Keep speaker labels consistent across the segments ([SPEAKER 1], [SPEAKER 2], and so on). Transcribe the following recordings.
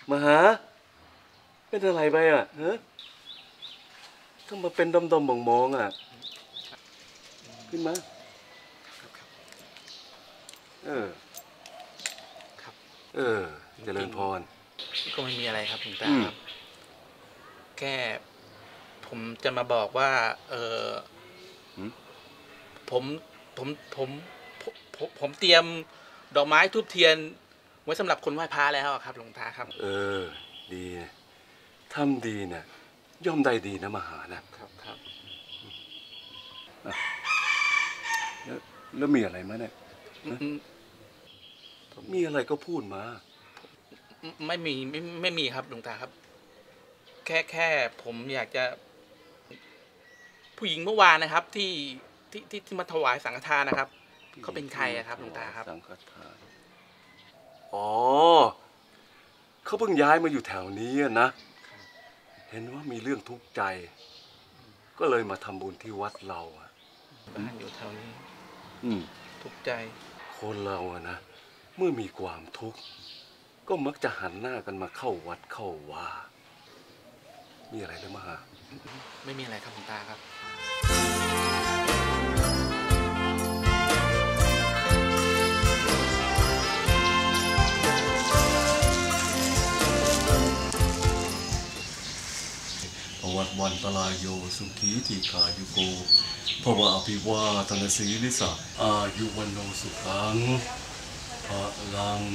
[SPEAKER 1] มหาเป็นอะไรไปอ่ะฮะต้องมาเป็นดมๆมองๆอ่ะขึ้นมา
[SPEAKER 2] ครับ
[SPEAKER 1] เจริญพร
[SPEAKER 2] ก็ไม่มีอะไรครับหลวงตาครับแค่ผมจะมาบอกว่าผมเตรียมดอกไม้ทูบเทียนไว้สำหรับคนไหว้พระแล้วครับหลวงตาครับ
[SPEAKER 1] ดีทำดีเนี่ยย่อมได้ดีนะมหานะครับแล้วมีอะไรมาเนี่ยมีอะไรก็พูดมา
[SPEAKER 2] ไม่มีครับหลวงตาครับแค่ผมอยากจะผู้หญิงเมื่อวานนะครับที่มาถวายสังฆทานนะครับเขาเป็นใครครับหลวงตาครับ
[SPEAKER 1] สังฆทานเขาเพิ่งย้ายมาอยู่แถวนี้นะเห็นว่ามีเรื่องทุกข์ใจก็เลยมาทำบุญที่วัดเรา
[SPEAKER 2] บ้านอยู่แถวนี้ทุกข์ใจ
[SPEAKER 1] คนเรานะเมื่อมีความทุกข์ก็มักจะหันหน้ากันมาเข้าวัดเข้าวามีอะไรหรือมหา
[SPEAKER 2] ไม่มีอะไรครับหลวงตาครับ
[SPEAKER 1] วัดวันตลายโยสุขีทีขายุโกภวะอภิวาทนาสีลิสะอายุวันโนสุขังพลัง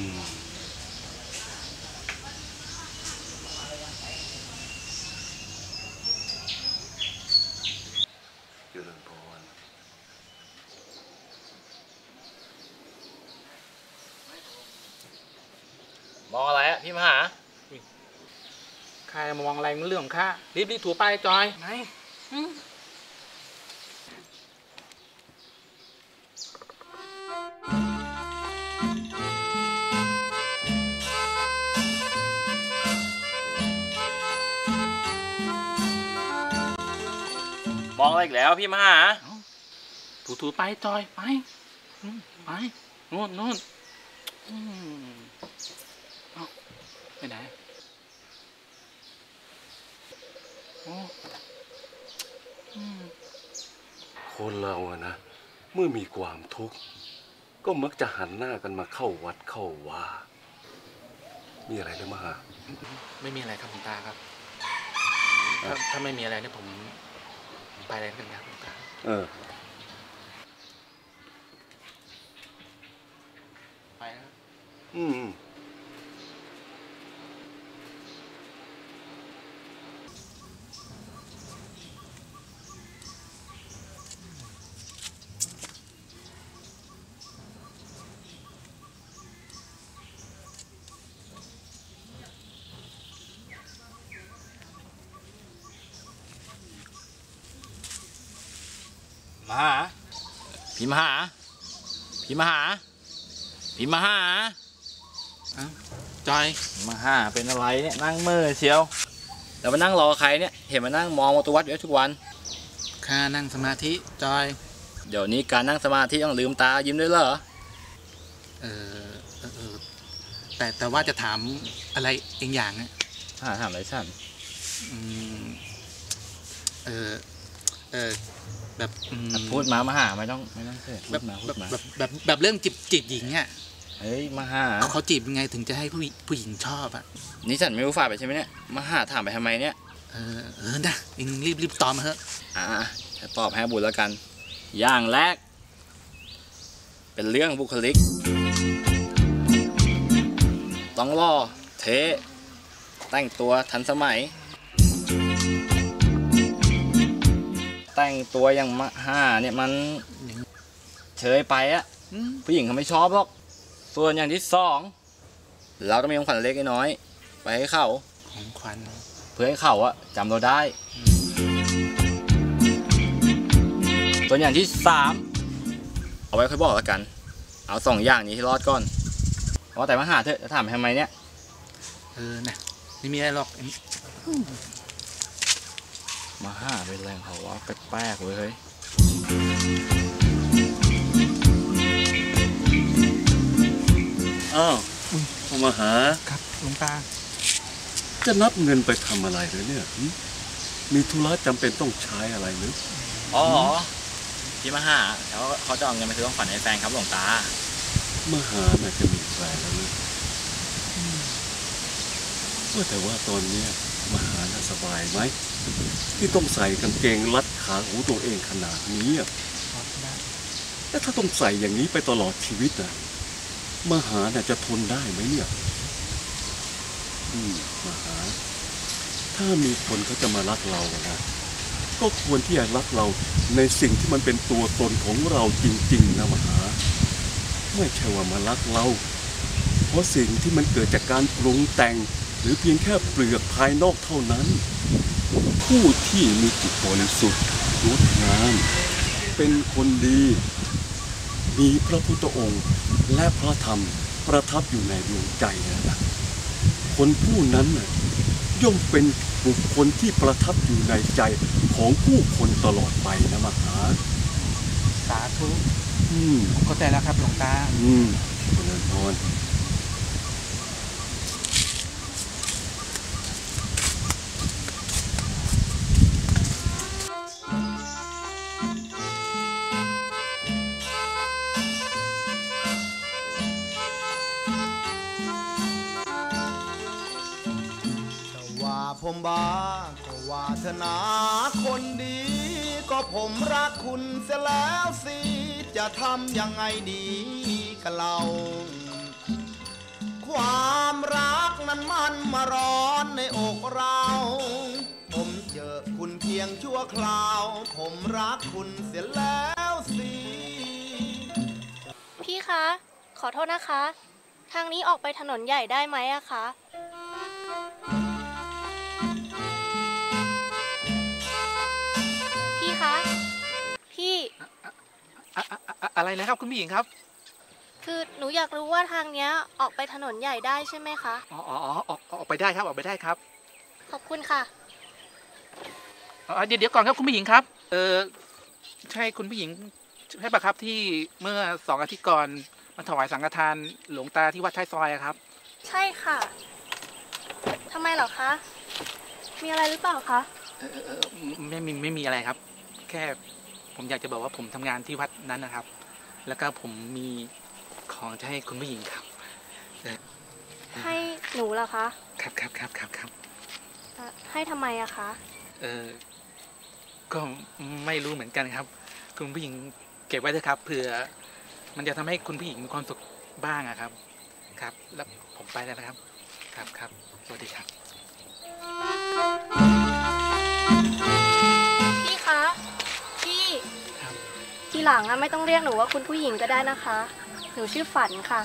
[SPEAKER 1] เจริญพร
[SPEAKER 2] มองอะไรพี่มหาใครมองอะไรมันเรื่องของข้ารีบถูไปจอยไหนมองอะไรอีกแล้วพี่มหาถูไปจอยไปนู่นไปไหน
[SPEAKER 1] คนเรานะเมื่อมีความทุกข์ก็มักจะหันหน้ากันมาเข้าวัดเข้าวามีอะไรหรือมหา
[SPEAKER 2] ไม่มีอะไรครับหลวงตาครับถ้าไม่มีอะไรเนี่ยผมไปอะไรกันครับหลวงตาไปนะครับพี่มหาจอยมหาเป็นอะไรเนี่ยนั่งเมื่อเชียวแล้วมานั่งรอใครเนี่ยเห็นมานั่งมองประตูวัดอยู่ทุกวันข้านั่งสมาธิจอยเดี๋ยวนี้การนั่งสมาธิต้องลืมตายิ้มด้วยเหรอแต่ว่าจะถามอะไรเองอย่างเนี่ยถามอะไรฉันแบบพูดมหาไม่ต้องเสียพูดมาแบบเรื่องจีบหญิงเนี่ยเฮ้ยมหาเขาจีบยังไงถึงจะให้ผู้หญิงชอบอ่ะนี่ฉันไม่รู้ฝ่ายไปใช่ไหมเนี่ยมหาถามไปทำไมเนี่ยนะเองรีบตอบมาเถอะจะตอบให้บุญแล้วกันอย่างแรกเป็นเรื่องบุคลิกต้องล่อเท่แต่งตัวทันสมัยแต่งตัวอย่างมหาเนี่ยมันเฉยไปอะผู้หญิงเขาไม่ชอบหรอกส่วนอย่างที่สองเราต้องมีของขวัญเล็กน้อยไปให้เขาของขวัญเพื่อให้เขาอะจำเราได้ส่วนอย่างที่สามเอาไว้ค่อยบอกแล้วกันเอาสองอย่างนี้ที่รอดก่อนเพราะแต่มหาเถอะจะถามทำไมเนี่ยนะไม่มีอะไรหรอกมาห้าเป็นแรงเขาว่าแปลกๆเว้ยเฮ้ย
[SPEAKER 1] มาหา
[SPEAKER 2] ครับหลวงตา
[SPEAKER 1] จะนับเงินไปทำอะไรเลยเนี่ยมีธุระจำเป็นต้องใช้อะไรหรือ
[SPEAKER 2] อ๋อพี่มหาแล้วเขาจะเอาเงินไปซื้อของขวัญให้แฟนครับหลวงตาม
[SPEAKER 1] หาน่าจะมีแฟนแล้วนี่แต่ว่าตอนนี้มหาน่าสบายไหมที่ต้องใส่กางเกงรัดขาหูตัวเองขนาดนี้แล้วถ้าต้องใส่อย่างนี้ไปตลอดชีวิตนะมหาน่าจะทนได้ไหมเนี่ยมหาถ้ามีคนเขาจะมารักเรานะก็ควรที่จะรักเราในสิ่งที่มันเป็นตัวตนของเราจริงๆนะมหาไม่ใช่ว่ามารักเราเพราะสิ่งที่มันเกิดจากการปรุงแต่งหรือเพียงแค่เปลือกภายนอกเท่านั้นผู้ที่มีจิตบริสุทธิ์งดงามเป็นคนดีมีพระพุทธองค์และพระธรรมประทับอยู่ในดวงใจนะคนผู้นั้นย่อมเป็นบุคคลที่ประทับอยู่ในใจของผู้คนตลอดไปนะมหา
[SPEAKER 2] สาธุเข้าใจแล้วครับหลวงตา
[SPEAKER 1] เจริญพร
[SPEAKER 3] ผมบ้าก็ว่าเธอนาคนดีก็ผมรักคุณเสียแล้วสิจะทำยังไงดีกับเราความรักนั้นมันมาร้อนในอกเราผมเจอคุณเพียงชั่วคราวผมรักคุณเสียแล้วสิ
[SPEAKER 4] พี่คะขอโทษนะคะทางนี้ออกไปถนนใหญ่ได้ไหมอะคะพี่
[SPEAKER 2] อะไรนะครับคุณผู้หญิงครับ
[SPEAKER 4] คือหนูอยากรู้ว่าทางเนี้ยออกไปถนนใหญ่ได้ใช่ไหมคะ
[SPEAKER 2] อ๋อออกไปได้ครับออกไปได้ครับ
[SPEAKER 4] ขอบคุณค่ะ
[SPEAKER 2] เดี๋ยวก่อนครับคุณผู้หญิงครับใช่คุณผู้หญิงใช่ปะครับที่เมื่อ2 อาทิตย์ก่อนมาถวายสังฆทานหลวงตาที่วัดท้ายซอยครับ
[SPEAKER 4] ใช่ค่ะทำไมเหรอคะมีอะไรหรือเปล่าคะ
[SPEAKER 2] ไม่มีอะไรครับแค่ผมอยากจะบอกว่าผมทำงานที่วัดนั้นนะครับแล้วก็ผมมีของจะให้คุณผู้หญิงครับ
[SPEAKER 4] ให้หนูเหรอคะ
[SPEAKER 2] ครับ
[SPEAKER 4] ให้ทำไมอะคะ
[SPEAKER 2] ก็ไม่รู้เหมือนกันครับคุณผู้หญิงเก็บไว้เถอะครับเผื่อมันจะทำให้คุณผู้หญิงมีความสุขบ้างอะครับครับแล้วผมไปแล้วนะครับครับสวัสดีครับ
[SPEAKER 4] พี่คะทีหลังไม่ต้องเรียกหนูว่าคุณผู้หญิงก็ได้นะคะหนูชื่อฝันค่ะ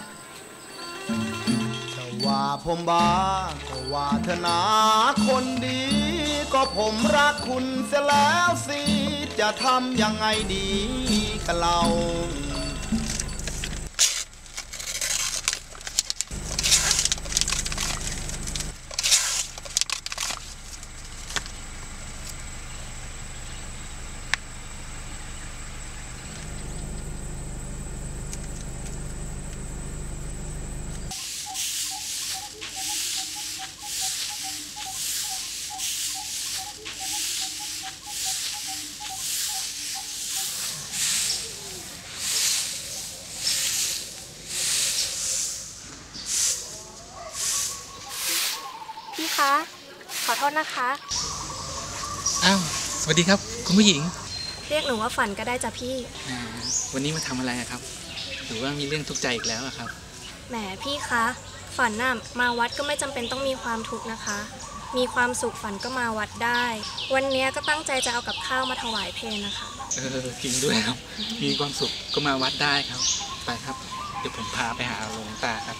[SPEAKER 3] จะว่าผมบ้าก็ว่าเธอนาคนดีก็ผมรักคุณเสียแล้วสิจะทำยังไงดีกับเรา
[SPEAKER 4] พี่คะขอโทษนะคะ
[SPEAKER 2] อ้าวสวัสดีครับคุณผู้หญิง
[SPEAKER 4] เรียกหนูว่าฝันก็ได้จ้ะพี่
[SPEAKER 2] วันนี้มาทำอะไรครับหรือว่ามีเรื่องทุกข์ใจอีกแล้วครับ
[SPEAKER 4] แหมพี่คะฝันน่ะมาวัดก็ไม่จำเป็นต้องมีความทุกข์นะคะมีความสุขฝันก็มาวัดได้วันนี้ก็ตั้งใจจะเอากับข้าวมาถวายเพลนะคะ
[SPEAKER 2] จริงด้วยครับมีความสุขก็มาวัดได้ครับไปครับเดี๋ยวผมพาไปหาหลวงตาครับ